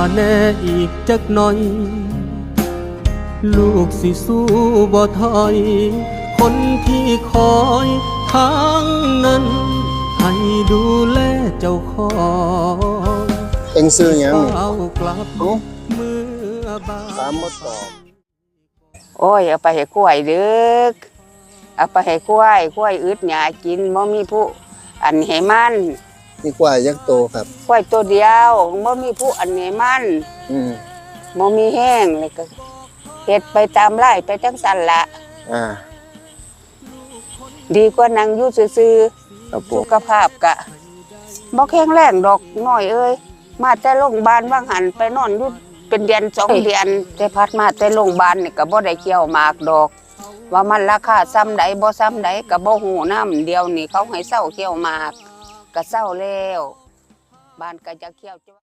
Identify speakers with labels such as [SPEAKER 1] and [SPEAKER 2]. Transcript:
[SPEAKER 1] แน่อีกจักหน่อยลูกสิสู้บ่ถอยคนที่คอยทางนั้นให้ดูแลเจ้าของ
[SPEAKER 2] เอ็งซื้อหยังนี่
[SPEAKER 1] เอากลับเมื่อบ่าย
[SPEAKER 2] ตามมาตอบ
[SPEAKER 3] โอ้ยเอาไปให้กล้วยเด้อเอาไปให้กล้วยอึดหญ้ากินบ่มีผู้อันให้มัน
[SPEAKER 2] นี่กว่ายักษ์โตครับ
[SPEAKER 3] กล้วยตัวเดียวบ่มีผู้อันให้มันบ่มีแห้งเลยก็เฮ็ดไปตามไร่ไปจังซั่นละดีกว่านั่งอยู่ซื่อๆสุขภาพกะบ่แข็งแรงดอกน้อยเอ้ยมาแต่โรงพยาบาลว่างหันไปนอนอยู่เป็นเดือน2 เดือนแต่พัดมาแต่โรงพยาบาลนี่ก็บ่ได้เกี่ยวหมากดอกว่ามันราคาซ้ำใดบ่ซ้ำใดก็บ่ฮู้นำเดียวนี่เขาให้เซาเกี่ยวหมากก็เซาแล้วบ้านก็จะเกี่ยว